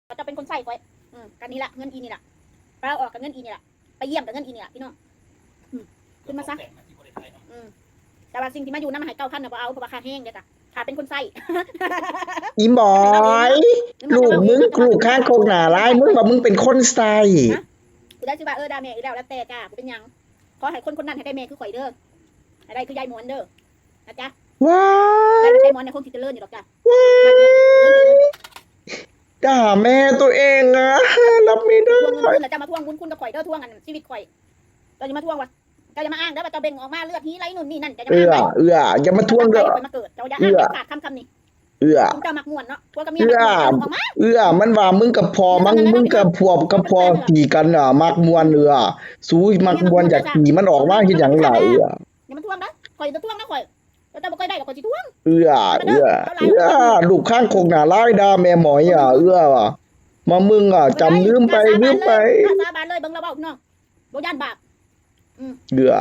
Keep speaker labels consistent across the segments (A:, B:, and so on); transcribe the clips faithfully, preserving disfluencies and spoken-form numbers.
A: เขาจะเป็นคนใส่คอยอืมกันนี่แหละเงินอีนี่แหละเราออกกับเงินอีนี่แหละไปเยี่ยมกับเงินอีนี่แหละพี่น้องอืมขึ้นมาซะอืมแต่ว่าสิ่งที่มาอยู่น้ำหายเก้าพันน่ะบ่เอาเพราะว่าค่าแห้งเด้อจ้ะถ้าเป็นคนใส่
B: อีหมอยลูกมึงลูกข้างโคกหนาร้ายมึงว่ามึงเป็นคนใส่
A: กูได้ชื่อว่าเออดาเมอีแล้วแล้วแต่จ้ากูเป็นหยังขอให้คนคนนั้นให้ได้เมคือข่อยเด้อให้ได้คือยายหมอนเด้อนะจ๊ะ
B: ว้า
A: ได้ยายหมอนในคงคิดจะเลื่อนอยู่หรอกจ้ะว้า
B: ด่าแม่ตัวเองอะรับไม่ได้
A: ทวงเงินคืนแล้วจะมาทวงบุญคุณกับข่อยเด้อทวงกันชีวิตข่อยเราจะมาทวงวะเจ้าจะมาอ้างเด้อว่าเจ้าเบ่งออกมาเลือดนี้ไรนู่นนี่นั่นจะจะ
B: เอื้
A: มา
B: อเอื้ออย่ามาทวงเด้อ
A: มาเกิดเจ้าอย่าอ้างขาดคำคำนี้
B: เอื้อ
A: คุณเจ้ามักม่วนเนาะพวกกับเมียมักม่วนออกมา
B: เอื้อมันว่ามึงกับพอมึงมึงกับพวกกับพอตีกันอ่ะมักมวนเอื้อสู้มักมวนอยากตีมันออกมาเฮ็ดหยังล่ะเอื้อ
A: อย่ามาทวงนะข่อยจะทวงนะข่อยแล้วเจ้าบ่ค่อยได้หรอกข่อยสิทวง
B: เอื้อเอื้อเอื้อลูกข้างโคกหนาร้ายด่าแม่หมอยอ่ะเอื้อว่ะมามึงอ่ะจำลืมไปลืมไป
A: กล้าสาบานเลยเบิ่งเราเว้าพี่น้องบ่ย่านบาปอืม
B: เอื้อก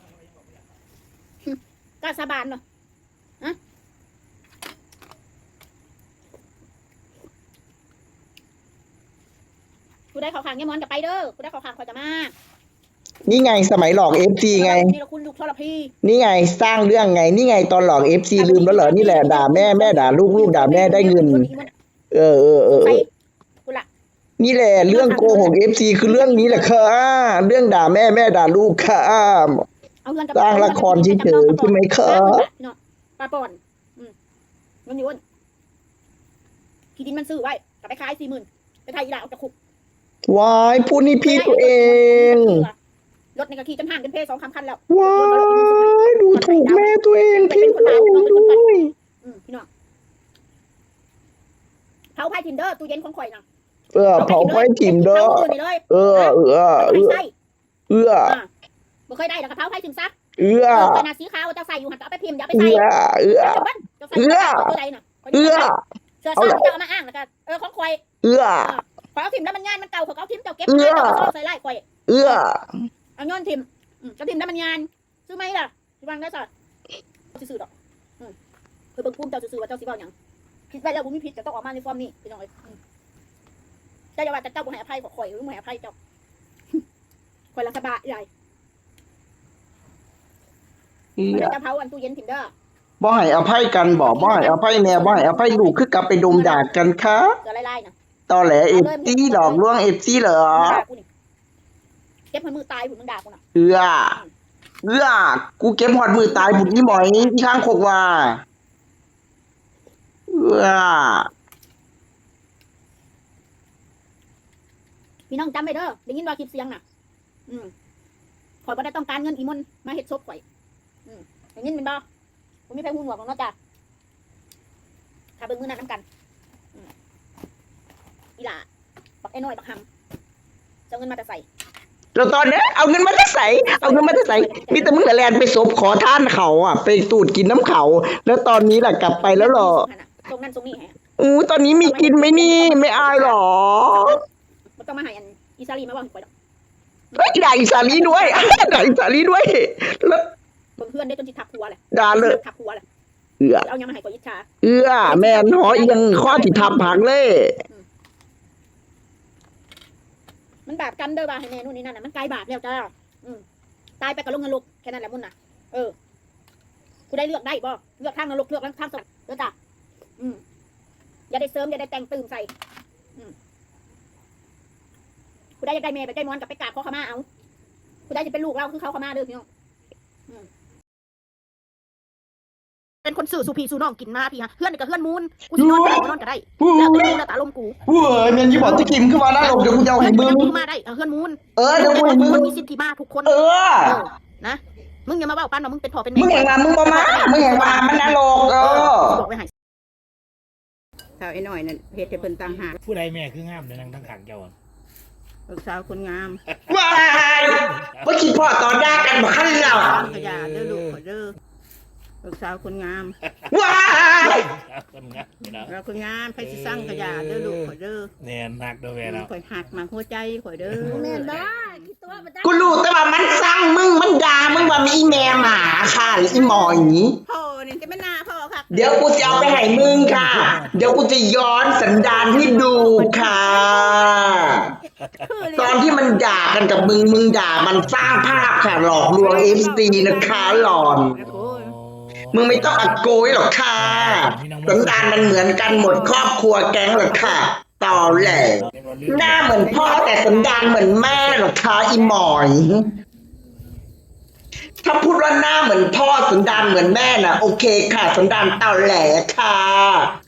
A: ล้าสาบานเนาะฮะกูได้ข่าวขางยายมอนจะไปเด้อกูได้ข่าวขางข่อยจะมา
B: นี่ไงสมัยหลอก เอฟ ซี ไง
A: นี่เราคุณลูกทรพี
B: นี่ไงสร้างเรื่องไงนี่ไงตอนหลอก เอฟ ซี ลืมแล้วเหรอนี่แหละด่าแม่แม่ด่าลูกลูกด่าแม่ได้เงินเออเออเออ
A: ไป
B: เออ
A: กูละ
B: นี่แหละเรื่องโกหก เอฟ ซี คือเรื่องนี้แหละค่ะเรื่องด่าแม่แม่ด่าลูกค่ะ
A: เอาเงินกับ
B: สร้างละครเฉยๆใช่ไหมคะ
A: เนาะปลาป่อนอืมเงินอยู่อ้นที่ดินมันซื้อไว้กลับไปขายสี่หมื่นไปไทยอีหลาออกจากคุก
B: วายพูดนี่พี่ตัวเอง
A: รถในกระขี่จนห่างกันเพสองคำคันแล้ว
B: วายดูถูกแม่ตัวเองพี่ตัวเองด้วย
A: อืมพี่น้องเผาไพ่ทิมเดอร์ตู้เย็นของข่อยนะ
B: เออเผาไฟถิ่มเด้อ
A: เผาเลย
B: เออเออเออ
A: ใส่
B: เอื้อ
A: บ่เคยได้หรอกเผาไพ่ทิมซัก
B: เอื้อ
A: เออขนาดสีขาวจะใส่อยู่หันจะเอาไปพิมพ์อย่าไป
B: เอื้
A: ใส่
B: อเอื้อ
A: จะใส่ตัวใดน่ะ
B: เอื้อ
A: เสื้อซักจะเอามาอ้างแล้วก็เออของข่อย
B: เอื้อ
A: ขอเอาทิมแล้วมันงานมันเก่าเขาเอาทิมเจ้าเก็บงานเจ้าก็ใส่ไล่ข่อย
B: เอื้อ
A: เอาย้อนทิมจะทิมแล้วมันงานซื้อไหมล่ะซื้อวางได้สัตว์ซื้อดอกเพื่อเบิ่งภูมิเจ้าซื้อว่าเจ้าสิเว้าหยังผิดไปแล้วบ่มีผิดจะต้องออกมาในฟอร์มนี้พี่น้องเอ้ยเจ้าอย่าว่าแต่เจ้าบ่ให้อภัยขอข่อยหรือบ่ให้อภัยเจ้าข่อยละสบายใหญ่
B: เอื้อ
A: จะเผาอันตู้เย็นทิมเด้อ
B: บ่ให้อภัยกันบ่บ่ให้อภัยแม่บ่ให้อภัยลูกคือกลับไปดมดากกันค่ะ
A: เสือไล่ๆนะ
B: ตอแหล เอฟ ซี หลอกลวง เอฟ ซี เหรอ
A: ด่ากูนี่เก็บมือตายผุนมึงด่ากูน่ะ
B: เอื้อเอื้อกูเก็บหอดมือตายบุญนี่หมอยที่ข้างโคกว่าเอื้อ
A: พี่น้องจำไว้เด้อได้ยินว่าคลิปเสียงน่ะ อืมข่อยบ่ได้ต้องการเงินอีมนมาเฮ็ดศพข่อยอืมได้ยินเป็นบ่ผมมีไผหูหนวกของเนาะจ้ะถ้าเบิ่งมือนั้นนำกันอืมอีหล่าบักไอ้น้อยบักหำจะเอาเงินมาแต่ใส่
B: แล้วตอนนี้เอาเงินมาจะใส่เอาเงินมาจะใส่มีแต่มึงแต่แลนไปศพขอท่านเขาอ่ะ ไปตูดกินน้ำเขา แล้วตอนนี้ล่ะกลับไปแล้วเหรอ
A: ตรงนั้นตรงนี้ฮะ
B: อู้ตอนนี้มีกินไหมนี่ ไม่อายหรอ
A: บ่ต้องมาให้อันอีซาลีมาเว้าให้ข่อยดอก
B: เฮ้ยด่าอีสาลีด้วย ด่าอีสาลีด้วยแล้ว
A: เบิ่งเพื่อนได้จนสิทักหัวแหละ
B: ด่าเลย
A: ทักหัวแหละ
B: เอื้อ
A: เอายังมาให้ข่อยอิจฉา
B: เอื้อแม่นหอเอียงข้อที่ทับผักเลย
A: มันบาปกรรมเด้อว่าให้แม่นู่นนี่นั่นน่ะมันกลายบาปแล้วจ้าอืมตายไปกับลงนรกแค่นั้นแหละมุ่นน่ะเออกูได้เลือกได้บ่เลือกทางนรกเลือกทางสวรรค์เด้อจ้าอืมอย่าได้เสริมอย่าได้แต่งตื่มใส่อืมกูได้อยากได้แม่ไปได้มอนกับไปกราบขอขมาเอากูได้จะเป็นลูกเราคือเขาขมาเด้อพี่น้องอืมเป็นคนสื่อสู่พี่สู่น้องกินมาพี่ฮะเพื่อนนี่ก็เพื่อนมูนกูสินอนก็ได้บ่นอนก็ได้แล้วแต่กูแล้วแต่อารมณ์กู
B: เว้ยแม่นยี่บอกจะกิมขึ้นมาได้หรอกเดี๋ยวกูจะเอาให้มึง
A: มึงมาได้เพื่อนมูน
B: เออเดี๋ยวกูให้มึง
A: คนมีสิทธิมาทุกคน
B: เออ
A: นะมึงอย่ามาเบ้าปันว่ามึงเป็นพ่อเป็น
B: มึ
A: แม่
B: งเห็นว่ามึงบ่มามึงเห็นว่ามันนรกเออ
A: บอกไว้ให้สาวไอ้หน่อยนั่นเฮ็ดให้เพิ่นต่างหาก
C: ผู้ใดแม่คืองามในนางทั้งขังเจ้าอะ
A: ลูกสาวคนงาม
B: ว้ายว่าคิดพ่อตอนแรกกันบ่คันแล้ว
A: สร้างขยะเด้อลูกขอเด้อลูกสาวคนงาม
B: ว้าย
C: คนงามนี่นะ
A: เราคนงามไผสิสร้างขยะเด้อลูกขอเด้อ
C: แน่นักเด้อแม่เนาะ
A: ข่อยหักมาหัวใจข่อยเด้อแม่นบ่คิดตัวบ่ได้
B: กูรู้แต่ว่ามันสั่งมึงมันด่ามึงว่ามีแม่หมาค่ะหรืออีหมออย่างนี้
A: พ่อนี่จะแม่นหน้าพ่อค่ะ
B: เดี๋ยวกูจะเอาไปให้มึงค่ะ เดี๋ยวกูจะย้อนสันดานให้ดูค่ะ
A: คือเลย
B: ตอนที่มันด่ากันกับมึงมึงด่ามันสร้างภาพค่ะหลอกลวงเอฟซีนะคะหลอน
C: โอ้
B: มึงไม่ต้องอัดโกยหรอกค่ะสันดานมันเหมือนกันหมดครอบครัวแก๊งหรอกค่ะต่อแหละหน้าเหมือนพ่อแต่สันดานเหมือนแม่หรอกค่ะอีหมอย ถ้าพูดว่าหน้าเหมือนพ่อสันดานเหมือนแม่น่ะโอเคค่ะสันดานเต่าแหลค่ะ